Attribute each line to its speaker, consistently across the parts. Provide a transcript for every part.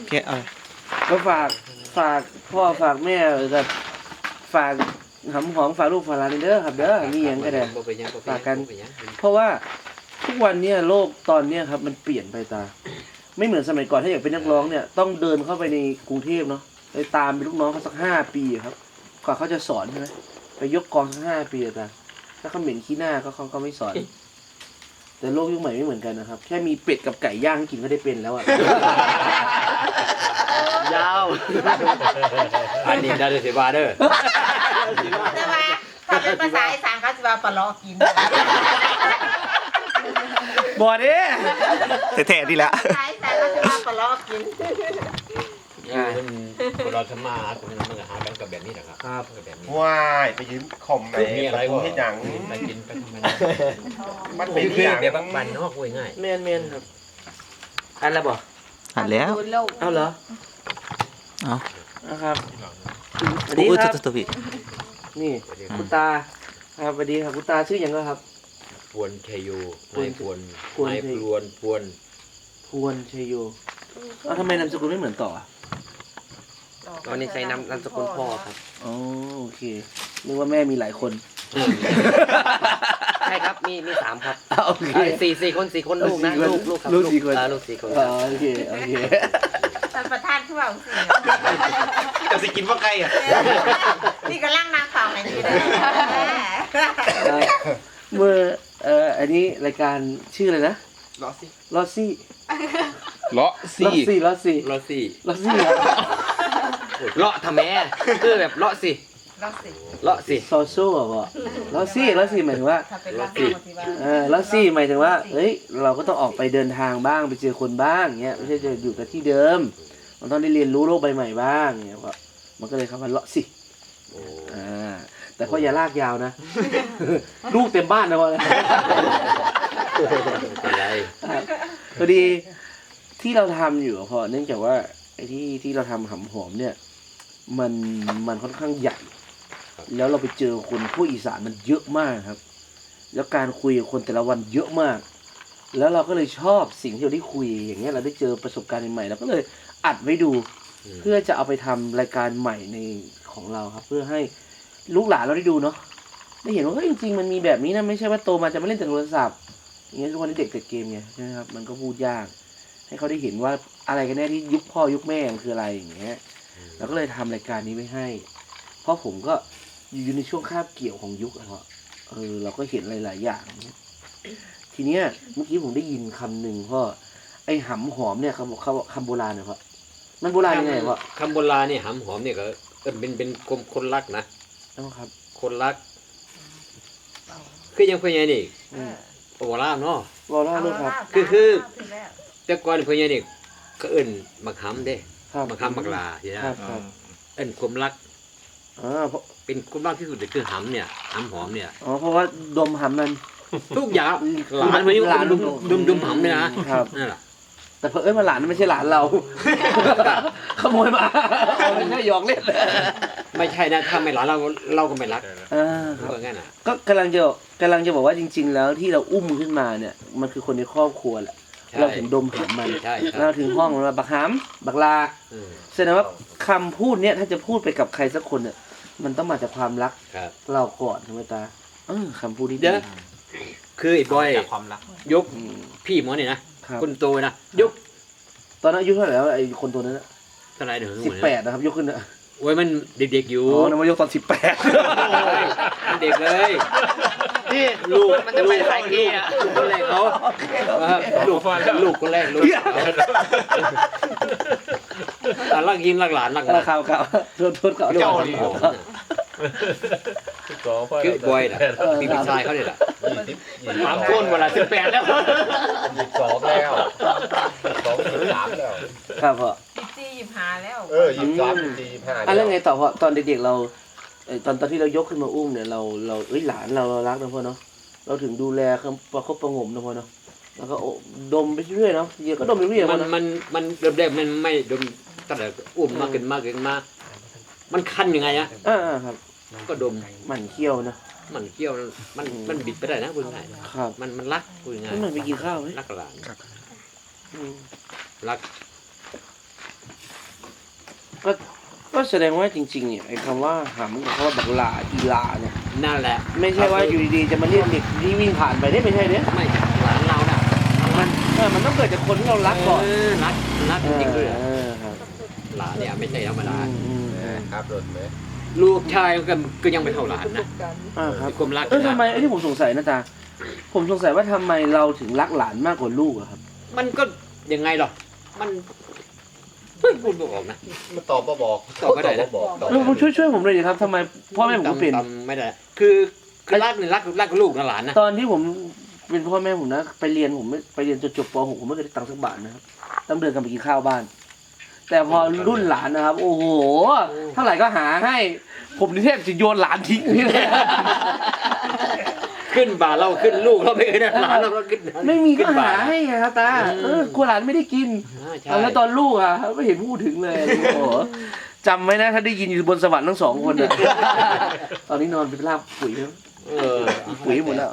Speaker 1: แค่เอา
Speaker 2: ก็ฝากพ่อฝากแม่กับฝากหำหอมฝากลูกฝากหลานเด้อครับเด้อมีหยังก็ได้ฝากกันเพราะว่าทุกวันเนี้ยโลกตอนเนี้ยครับมันเปลี่ยนไปตาไม่เหมือนสมัยก่อนถ้าอยากเป็นนักร้องเนี่ยต้องเดินเข้าไปในกรุงเทพเนาะไปตามเป็นลูกน้องเขาสัก5 ปีครับกว่าเขาจะสอนใช่ไหมไปยกกองสัก5 ปีตาถ้าเขาเหม็นขี้หน้าเขาก็ไม่สอน แต่โลกยุคใหม่ไม่เหมือนกันนะครับแค่มีเป็ดกับไก่ย่างกินก็ได้เป็นแล้วอ่ะ
Speaker 3: ยาวอันนี้ได้เลยสิบาเด้อ
Speaker 4: แต่ว่าถ้าเป็นภาษาอีสานเขาจะว่าปลาล้อกิน
Speaker 2: บอดเด้
Speaker 1: แท้ๆดีแล้ว
Speaker 4: ภาษาอีสานเขาจะว่าปลาล้อกิน
Speaker 3: คนเราทำมาคนมันก็หากันกับแบบนี้แหละครับ
Speaker 2: ครับ
Speaker 3: แบบนี้
Speaker 5: ว้ายไปยืมข่มไหน
Speaker 3: มีอะไร
Speaker 5: กู
Speaker 3: ก็
Speaker 5: ให้หยัง
Speaker 3: ไปกินไปทำมัน
Speaker 5: มันเป็น
Speaker 3: คือ
Speaker 5: อย่าง
Speaker 3: แบบบ้านนอกง่าย
Speaker 2: เมนครับอันละบ่
Speaker 1: หันแล้ว
Speaker 2: เอาเหรอ
Speaker 1: เอา
Speaker 2: นะครับสวัส
Speaker 1: โอ้
Speaker 2: ดี
Speaker 1: ย
Speaker 2: ครับ
Speaker 1: ตัวพี่
Speaker 2: นี่คุณตาครับสวัสดีครับคุณตาชื่ออย่างก็ครับ
Speaker 3: พวนชัยโยนายพวน
Speaker 2: พวน
Speaker 3: นายพวนพวน
Speaker 2: พวนชัยโยเอาทำไมนามสกุลไม่เหมือนต่ออ่ะ
Speaker 6: ตอนนี้ใช้นามสกุลพ่อครับ
Speaker 2: อ๋อโอเคนึกว่าแม่มีหลายคน
Speaker 6: ใช่ครับมี3ครับ
Speaker 2: โอเค
Speaker 6: สี่คนลูกนะลูกครับ
Speaker 2: ลูก4 คน
Speaker 6: ลูก4 คน
Speaker 2: อ๋อโอเคโอเค
Speaker 4: ท่านประธานคือว่าสิ
Speaker 5: จะสิกินว่าไก่อ่ะ
Speaker 4: นี่ก็ล่างนางฟังไอ้นี่เลย
Speaker 2: เมื่ออันนี้รายการชื่ออะไรนะ
Speaker 5: รอสิ
Speaker 2: ลอซี่
Speaker 1: เลาะ
Speaker 2: ลอซี่ลอซี่
Speaker 3: รอสี่
Speaker 2: ลอซี่ครับ
Speaker 6: เลาะทำแม่คือแบบเลาะสิ
Speaker 4: รักสิ
Speaker 6: เลาะสิ
Speaker 2: ซอโซ่เหรอลอซี่ลอซี่หมายถึงว่า
Speaker 4: ถ้าเป็นรักสิว่า
Speaker 2: ลอซี่หมายถึงว่าเอ้ยเราก็ต้องออกไปเดินทางบ้างไปเจอคนบ้างเงี้ยไม่ใช่จะอยู่กับที่เดิม มันต้องได้เรียนรู้โลกใบใหม่บ้างเงี้ยก็มันก็เลยคำว่าเลาะซี่
Speaker 3: โอ้
Speaker 2: แต่ก็อย่าลากยาวนะ ลูกเต็มบ้านนะวะ
Speaker 3: เป็นไร
Speaker 2: พอดีที่เราทำอยู่พอเนื่องจากว่าไอ้ที่เราทำหำหอมเนี่ยมันค่อนข้างใหญ่ แล้วเราไปเจอคนพวกอีสานมันเยอะมากครับ แล้วการคุยกับคนแต่ละวันเยอะมาก แล้วเราก็เลยชอบสิ่งที่เราได้คุยอย่างเงี้ยเราได้เจอประสบการณ์ใหม่ๆเราก็เลยอัดไว้ดู เพื่อจะเอาไปทำรายการใหม่ในของเราครับ เพื่อให้ลูกหลานเราได้ดูเนาะได้เห็นว่าจริงๆมันมีแบบนี้นะไม่ใช่ว่าโตมาจะไม่เล่นแต่โทรศัพท์อย่างเงี้ยทุกวันนี้เด็กติดเกมไงใช่ไหมครับมันก็พูดยาก ให้เขาได้เห็นว่าอะไรกันแน่ที่ยุคพ่อยุคแม่มันคืออะไรอย่างเงี้ยเราก็เลยทำรายการนี้ไว้ให้ เพราะผมก็อยู่ในช่วงคาบเกี่ยวของยุคอะครับเราก็เห็นหลายๆอย่าง ทีเนี้ยเมื่อกี้ผมได้ยินคำหนึ่งพ่อไอ้หำหอมเนี่ยคำโบราณเนี่ยพ่อมันโบราณยังไงพ่อ
Speaker 3: คำโบราณเนี่ยหำหอมเนี่ยก็เป็นคนรักนะ
Speaker 2: ครับ
Speaker 3: คนรักคือยังเพื่อนยัยนี่ โอวาราเนาะ
Speaker 2: รอเล่าด้วยครับ
Speaker 3: แต่ก่อนเพื่อนยัยนี่ก็เอิ้นมักหำเด้
Speaker 2: ครับ
Speaker 3: มักหำมักลาทีนะครับ
Speaker 2: ครับ
Speaker 3: เอิ้นความรัก
Speaker 2: เพราะ
Speaker 3: เป็นความรักที่สุดเลยคือหำเนี่ยหำหอมเนี่ย
Speaker 2: เพราะว่าดมหำมัน
Speaker 3: ทุกอย่างหลานเพื่อนยังดุมหำเลยนะครับ นั่นแหละ
Speaker 2: แต่เพิ่นมาหลานไม่ใช่หลานเรา ขโมยมาไม่ใช่หยอกเล่น
Speaker 3: ไม่ใช่นะถ้าไม่หลานเราก็ไม่รัก
Speaker 2: ครับ
Speaker 3: เพราะงั้นอ่ะ
Speaker 2: ก็กำลังจะบอกว่าจริง ๆ แล้วที่เราอุ้มขึ้นมาเนี่ยมันคือคนในครอบครัวแหละ
Speaker 3: ใช่
Speaker 2: เราถึงดมหำมัน
Speaker 3: ใช่
Speaker 2: เราถึงห้องมันว่าบักหำบักลา
Speaker 3: เออ
Speaker 2: แสดงว่าคำพูดเนี่ยถ้าจะพูดไปกับใครสักคนเนี่ยมันต้องมาจากความรัก
Speaker 3: ครับ
Speaker 2: เราก่อนใช่ไหมตาคำพูดที่
Speaker 3: เดี๋
Speaker 2: ดี
Speaker 3: ยวคือไอ้บอย
Speaker 5: จากความรัก
Speaker 3: ยก
Speaker 2: อืม
Speaker 3: พี่หมอเนี่ยนะครับ คนโตนะยก
Speaker 2: ตอนนั้นอายุเท่าไหร่แล้วไอ้คนตัวนั้นนะ
Speaker 3: เท่าไหร่เดี๋ยว
Speaker 2: 18นะครับยกขึ้นนะ
Speaker 3: โอ้ยมันเด็กๆอยู่
Speaker 2: อ๋อนำมายกตอน18
Speaker 3: มันเด็กเลย
Speaker 6: นี่
Speaker 3: ลูก
Speaker 6: มันจะไปขายเกียร์
Speaker 3: คนแรกเขาลูกคนแรกลูกรักยิงรักหลานรักหลาน
Speaker 2: ข่าวโทษข่าว
Speaker 5: เจ้าดิ
Speaker 3: คือบอยน่ะมีพี่ชายเขาเนี่ยแหละ
Speaker 6: ถามคนเวลา18แล้ว
Speaker 5: 22แล้ว23แล้ว
Speaker 2: ครับพ่อ
Speaker 4: 25แล้ว
Speaker 5: 23 25
Speaker 2: แล้วไงต่อพ่อตอนเด็กๆเราตอนที่เรายกขึ้นมาอุ้มเนี่ยเราหลานเรารักนะพ่อเนาะเราถึงดูแลเขาประคบประหงมนะพ่อเนาะแล้วก็ดมไปเรื่อยเนาะเยอะก็ดมไปเรื่อย
Speaker 3: มันเริ่มแรกมันไม่ดมตั้งแต่อุ้มมากขึ้นมามันคันยังไงอะ
Speaker 2: ครับ
Speaker 3: ก็ดม
Speaker 2: หมั่นเคี้ยวนะ
Speaker 3: มันเกี่ยวมันบิดไปได้นะพูดง่าย
Speaker 2: ครับ
Speaker 3: มันรักพูดง่าย
Speaker 2: ไม่เหมือนไปกินข้าวไหม
Speaker 3: รักหลาน
Speaker 2: อืม
Speaker 3: รัก
Speaker 2: ก็แสดงว่าจริงๆเนี่ยไอ้คำว่าหำกับคำว่าบักหลาอีหลาเนี่ย
Speaker 3: นั่นแหละ
Speaker 2: ไม่ใช่ว่าอยู่ดีๆจะมาเรียกเด็กที่วิ่งผ่านไปได้ไม่ใช่เนี่ย
Speaker 3: ไม่หลานเราน่ะ
Speaker 2: มันต้องเกิดจากคนที่เรารักก่อน
Speaker 3: รักจริงๆด้วย
Speaker 2: ครับ
Speaker 3: หลานเนี่ยไม่ใช่ธรรมดา
Speaker 5: ครับรถไหม
Speaker 3: ลูกชายก็ยังไม่เท่าหลานนะ
Speaker 2: ครับ
Speaker 3: ความรัก
Speaker 2: ทำไมไอ้ที่ผมสงสัยนะตาผมสงสัยว่าทำไมเราถึงรักหลานมากกว่าลูกอะครับ
Speaker 3: มันก็ยังไงหรอมันเพิ่งพูดบอกนะ
Speaker 5: มันตอบมาบอก
Speaker 3: ตอบไม่ได้นะ
Speaker 5: บอกตอบ
Speaker 2: ช่วยผมเลยดิครับทำไมพ่อแม่ผมก็เป็น
Speaker 3: จำไม่ได้ คือรักเนี่ยรักลูกนะหลานนะ
Speaker 2: ตอนที่ผมเป็นพ่อแม่ผมนะไปเรียนผมไม่ไปเรียนจนจบป .6 ผมไม่เคยได้ตังค์สักบาทนะครับต้องเดินกันไปกินข้าวบ้าน แต่พอรุ่นหลานนะครับ โอ้โหเท่าไหร่ก็หาให้ ผมนี่แทบจะโยนหลานทิ้งนี่เลย
Speaker 3: ขึ้นบ่าเราขึ้นลูกเราไม่เคยได้หลานเราก็ขึ้น
Speaker 2: ไม่มีก็หาให้ไงครับตากลัวหลานไม่ได้กิน
Speaker 3: ใช่
Speaker 2: แล้วตอนลูกอ่ะไม่เห็นพูดถึงเลยโอ้โหจำไว้นะถ้าได้ยินอยู่บนสวรรค์ทั้งสองคนอ่ะ ตอนนี้นอนเป็นลาบปุ๋ยแล้ว ปุ๋ยหมดแล้ว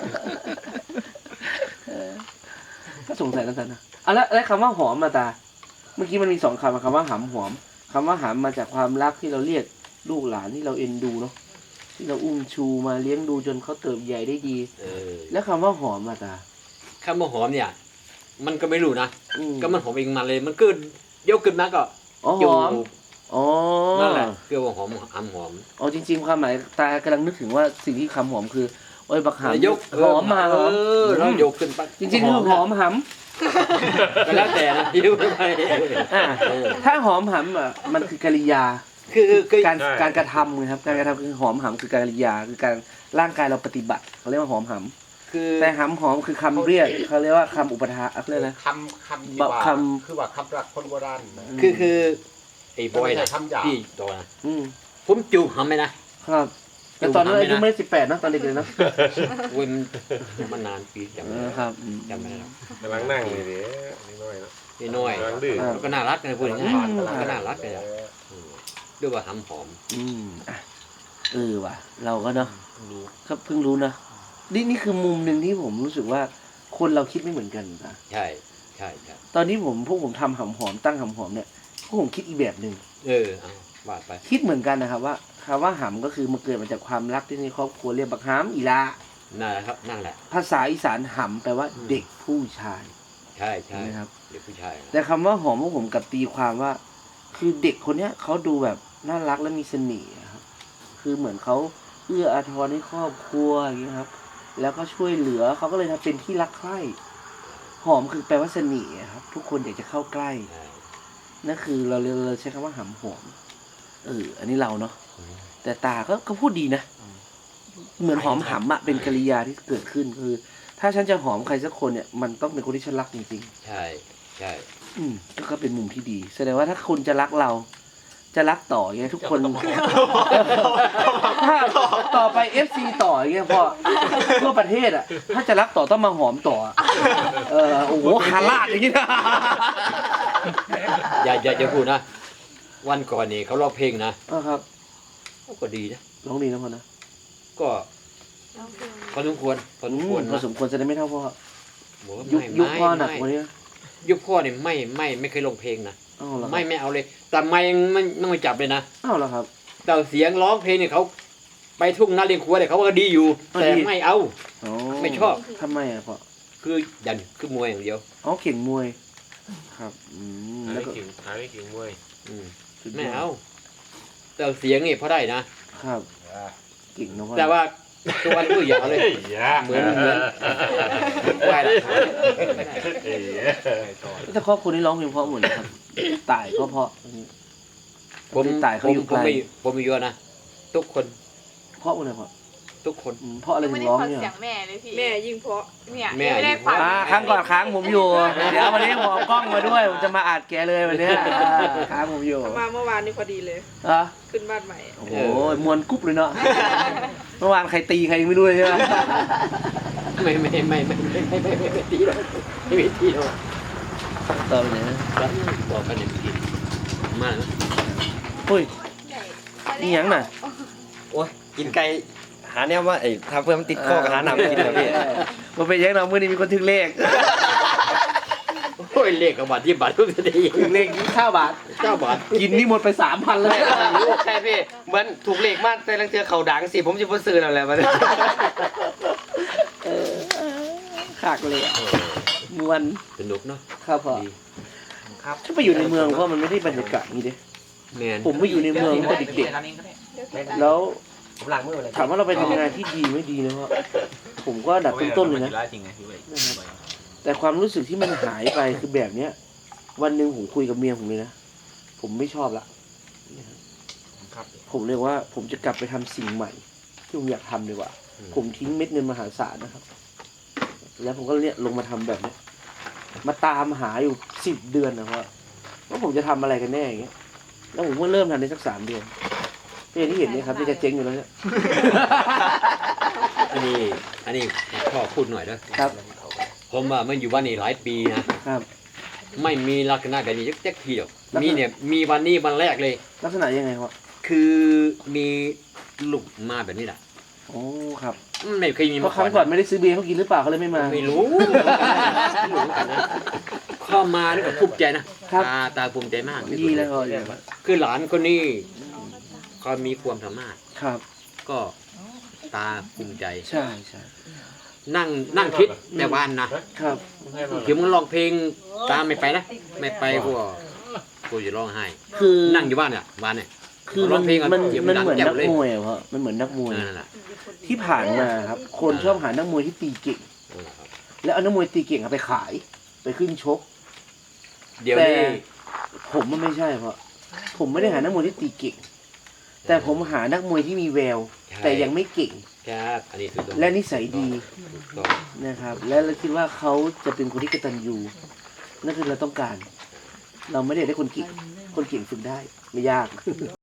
Speaker 2: ก็สงสัยแล้วกันนะแล้วคำว่าหอมมาตา เมื่อกี้มันมี2คำคำว่าหำหอมคำว่าหำมาจากความรักที่เราเรียกลูกหลานที่เราเอ็นดูเนาะที่เราอุ้มชูมาเลี้ยงดูจนเขาเติบใหญ่ได้ดี แล้วคำว่าหอมมาตา
Speaker 3: คำว่าหอมเนี่ย มันก็ไม่รู้นะ
Speaker 2: อืม
Speaker 3: ก็มันหอมเองมาเลย มันก็ยกขึ้นมาก็
Speaker 2: อ๋อหอมอ๋อ
Speaker 3: นั่นแหละคือว่าหอมหอม
Speaker 2: อ๋อจริงๆความหมายตากำลังนึกถึงว่าสิ่งที่คำหอมคือโอ้ยบักหำ
Speaker 3: ยก
Speaker 2: หอมมาหอม
Speaker 3: แล้วยกขึ้นไป
Speaker 2: จริงๆคือหอมห
Speaker 3: ก็แล้วแต่นะยิ้วไป
Speaker 2: ำถ้าหอมหำอ่ะมันคือกริยา
Speaker 3: คือ
Speaker 2: การกระทำนะครับการกระทำคือหอมหำคือการกริยาคือการร่างกายเราปฏิบัติเขาเรียกว่าหอมห
Speaker 3: คือ
Speaker 2: ำแต่หำหอมคือคำเรียกเขาเรียกว่าคำอุปทานอะไรนะ
Speaker 5: คำที่ว่า
Speaker 2: คำ
Speaker 5: คือว่าคำรักคนโบราณนะ
Speaker 3: คือไอ้บอยนะ
Speaker 5: ไม่ใช่คำหยาบ
Speaker 3: พี่ตัวนะ
Speaker 2: อืม
Speaker 3: ผมจูบหำไหมนะครับ
Speaker 2: แต่ตอนนั้นอายุไม่ได้18นะตอนเด็กเลยนะ
Speaker 3: เว้ยมันนานปีจำไม่ได้
Speaker 2: ครับ
Speaker 3: จำไม่ได้หรอก
Speaker 5: กำลังนั่งเลยดินิดหน่อยนะ
Speaker 3: นี่น้อย
Speaker 5: กำลังดื้อ
Speaker 3: แล้วก็น่ารักนะพูดอย่างนี้ก็น่ารักเลยอะด้วยว่าหำหอม
Speaker 2: อ่ะว่ะเราก็เนาะก็เพิ่งรู้นะนี่คือมุมหนึ่งที่ผมรู้สึกว่าคนเราคิดไม่เหมือนกันนะ
Speaker 3: ใช่
Speaker 2: ตอนนี้พวกผมทำหำหอมตั้งหำหอมเนี่ยพวกผมคิดอีกแบบหนึ่ง
Speaker 3: เอาว่าไป
Speaker 2: คิดเหมือนกันนะครับว่าคำว่าหำก็คือมันเกิดมาจากความรักที่ในครอบครัวเรียกบักหำอีลา
Speaker 3: นั่นแหละครับนั่นแหละ
Speaker 2: ภาษาอีสานหำแปลว่าเด็กผู้ชาย
Speaker 3: ใช่
Speaker 2: นะครับ
Speaker 3: เด็กผู้ชาย
Speaker 2: แต่คำว่าหอมพวกผมกับตีความว่า คือเด็กคนเนี้ยเขาดูแบบน่ารักและมีเสน่ห์ครับคือเหมือนเขาเอื้ออาทรให้ครอบครัวอย่างเงี้ยครับ แล้วก็ช่วยเหลือเขาก็เลยทำเป็นที่รักใคร่หอมคือแปลว่าเสน่ห์ครับ ทุกคนอยากจะเข้าใกล้นั่นคือเราใช้คำว่าหำหอมอันนี้เราเนาะแต่ตาก็พูดดีนะเหมือนหอมหำอะเป็นกริยาที่เกิดขึ้นคือ ถ้าฉันจะหอมใครสักคนเนี่ยมันต้องเป็นคนที่ฉันรักจริงๆ
Speaker 3: ใช่
Speaker 2: ก็เป็นมุมที่ดีแสดงว่าถ้าคุณจะรักเรา จะรักต่ออย่างเงี้ยทุกคนถ้าต่อไป FC ต่ออย่างเงี้ยพอทั่วประเทศอ่ะถ้าจะรักต่อต้องมาหอมต่อโอ้โหคาราดอย่างงี้นะ
Speaker 3: อย่าพูดนะวันก่อนนี่เขาร้องเพลงนะครับ ก็ดีนะ
Speaker 2: ร้องดีนะพ่อนะ
Speaker 3: ก็พอสมควร
Speaker 2: พอสมควรจะได้ไม่เท่าพ่อ
Speaker 3: บอกว่า
Speaker 2: ยุคพ่อหนักกว่านี้
Speaker 3: ยุคพ่อเนี่ยไม่เคยร้องเพลงนะ
Speaker 2: อ้าวเหรอ
Speaker 3: ไม่เอาเลย แต่ไม่ไม่จับเลยนะ
Speaker 2: อ้าวเหรอครับ
Speaker 3: แต่เสียงร้องเพลงเนี่ยเขาไปทุ่งนาเลี้ยงครัวเนี่ยเขาก็ดีอยู่ แต่ไม่เอา ไม่ชอบ
Speaker 2: ทำไมอ่ะพ่อ
Speaker 3: คือยันคือมวยอย่างเดียว
Speaker 2: เก่งมวยครับแล้วก็
Speaker 5: หาได้กิ่งมวย
Speaker 3: ไม่เอา แต่เสียงนี่พอได้นะครับ
Speaker 2: เก่งนะพ่อ
Speaker 3: แต่ว่าตัววันก็อย่าเลย เหมือนไหวละ
Speaker 2: แต่ครอบครัวนี้ร้องเพลงเพราะหมดเลยครับตายก็เพราะ
Speaker 3: ผม
Speaker 2: ตายเขาอยู่ไกล
Speaker 3: ผมมีเยอะนะทุกคน
Speaker 2: เพราะอะไรพ่อ
Speaker 3: ทุกคน
Speaker 2: เพราะอะไรถึ
Speaker 7: ไม่
Speaker 2: ง
Speaker 7: ได้
Speaker 2: ร้อง
Speaker 7: ฟัง
Speaker 2: เนี่ย
Speaker 7: เสียงแม่เลยพี่
Speaker 4: แม่ยิ่งเพราะ
Speaker 7: เนี่ย
Speaker 3: แม่
Speaker 7: ไม่ได้ฟัง
Speaker 2: ครั้งก่อนค้างผมอยู่ เดี๋ยววันนี้ผมเอากล้องมาด้วยผมจะมาอัดแกเลยวันเนี้ยค้างผมอยู่
Speaker 4: มาเมื่อวานนี้พอดีเลย
Speaker 2: อ่ะ
Speaker 4: ขึ้นบ้านใหม่
Speaker 2: โอ้โหมวนกุ๊บเลยเนาะเมื่อวานใครตีใครยังไม่รู้เลยใช่ไหม
Speaker 3: ไม่ตีหรอกไม่ตีหรอก
Speaker 2: ต่อไปเนี่ย
Speaker 3: บอกกันเนี่ยตีมากนะ
Speaker 2: อุ้ยนี่ยังน่ะ
Speaker 6: โอ้ยกินไก่หาเนี่ยว่าไอ้ทำเพื่อมันติดคอกับหาหนำกินนะพี่
Speaker 2: มาเป็นยังน้องมือนี้มีคนถึงเลข
Speaker 3: โอ้อ้ยเลขกับบาทที่บาททุกที
Speaker 2: ถึงเลข9 บาท
Speaker 3: 9 บาท
Speaker 2: กินนี่หมดไป 3,000เลย
Speaker 6: ใช่พี่เหมือนถูกเลขมากแต่ลังเทือเขาดังสิผมจะพูดซื้อแล้วแหละมัน
Speaker 2: ขากเลยอะมวน
Speaker 3: สนุกเนาะ
Speaker 2: ครับพ่อ
Speaker 3: ดี
Speaker 2: ถ้าไปอยู่ในเมืองเพราะมันไม่ได้บรรยากาศนี้เด้
Speaker 3: แมน
Speaker 2: ผมไปอยู่ในเมืองตั้งแต่เด็กๆแล้ว
Speaker 6: ผมล้างมือเลย
Speaker 2: ถามว่าเราไปทำงานที่ดีไม่ดีนะพ่อผมก็อันดับต้นๆเลยนะ
Speaker 5: จริงไงพี่เว้ย
Speaker 2: แต่ความรู้สึกที่มันหายไปคือแบบเนี้ย วันหนึ่งผมคุยกับเมียผมเลยนะ ผมไม่ชอบละ
Speaker 5: ครับ
Speaker 2: ผมเรียกว่าผมจะกลับไปทำสิ่งใหม่ ที่ผมอยากทำดีกว่า ผมทิ้งเม็ดเงินมหาศาลนะครับ แล้วผมก็เนี่ยลงมาทำแบบเนี้ย มาตามหาอยู่10 เดือนนะครับว่าผมจะทำอะไรกันแน่อย่างเงี้ย แล้วผมก็เริ่มทำได้สัก3 เดือนอย่างที่เห็นเนี่ยครับที่จะเจ๊งอยู่แล้วเนี่ย
Speaker 3: อันนี้พ่อพูดหน่อยนะครับ ผมอ่ะมันอยู่บ้านนี่หลายปีนะครับ ไม่มีลักษณะแบบนี้จักทีเดียว
Speaker 2: ลักษณะ
Speaker 3: มีเนี่ยมีวันนี้วันแรกเลย
Speaker 2: ลักษณะยังไงครับ
Speaker 3: คือมีลูกมาแบบนี้แหละ
Speaker 2: โอ้ครับ
Speaker 3: ไม่เคยมี
Speaker 2: เพ
Speaker 3: มา
Speaker 2: ราะครั้งก่อนไม่ได้ซื้อเบียร์เขากินหรือเปล่าเขาเลยไม่มา
Speaker 3: ไม่รู้เข้ามานี่ก็ภูมิใจนะครับ ตาภูมิใจมาก
Speaker 2: ดีแล้วก็
Speaker 3: คือหลานคนนี้เขามีความสามารถ
Speaker 2: ครับ
Speaker 3: ก็ตาภูมิใจ
Speaker 2: ใช่ใช่
Speaker 3: นั่งคิดแต่วันนะครับ คือมึงร้องเพลงตามไม่ไปนะไม่ไปกูจะร้องไห้
Speaker 2: คือ
Speaker 3: นั่งอยู่บ้านเนี่ยบ้านเนี่ย
Speaker 2: คือ
Speaker 3: ร้
Speaker 2: มั
Speaker 3: อน งเพลงก่อน
Speaker 2: มัน
Speaker 3: เดี๋ยว
Speaker 2: มัน
Speaker 3: ดัง
Speaker 2: เหมือน
Speaker 3: แจ๋
Speaker 2: นั
Speaker 3: ว
Speaker 2: ก
Speaker 3: เลย
Speaker 2: มวยอะเพราะมันเหมือนนักมวย
Speaker 3: นั่นแหละ
Speaker 2: ที่ผ่านมาครับ คนชอบหานักมวยที่ตีเก่ง แล้วเอานักมวยตีเก่งเอาไปขาย ไปขึ้นชก
Speaker 3: เดี๋ยว
Speaker 2: แต่
Speaker 3: นี้
Speaker 2: ผมมันไม่ใช่เพราะผมไม่ได้หานักมวยที่ตีเก่ง แต่ผมหานักมวยที่มีแวว แต่ยังไม่เก่ง
Speaker 3: ครับอันนี้ถูกต้อง
Speaker 2: และนิสัยดี
Speaker 3: ถูกต้อง
Speaker 2: นะครับ และเราคิดว่าเขาจะเป็นคนที่กตัญญูนั่นคือเราต้องการ เราไม่ได้ได้คนเก่ง คนเก่งฝึกได้ไม่ยาก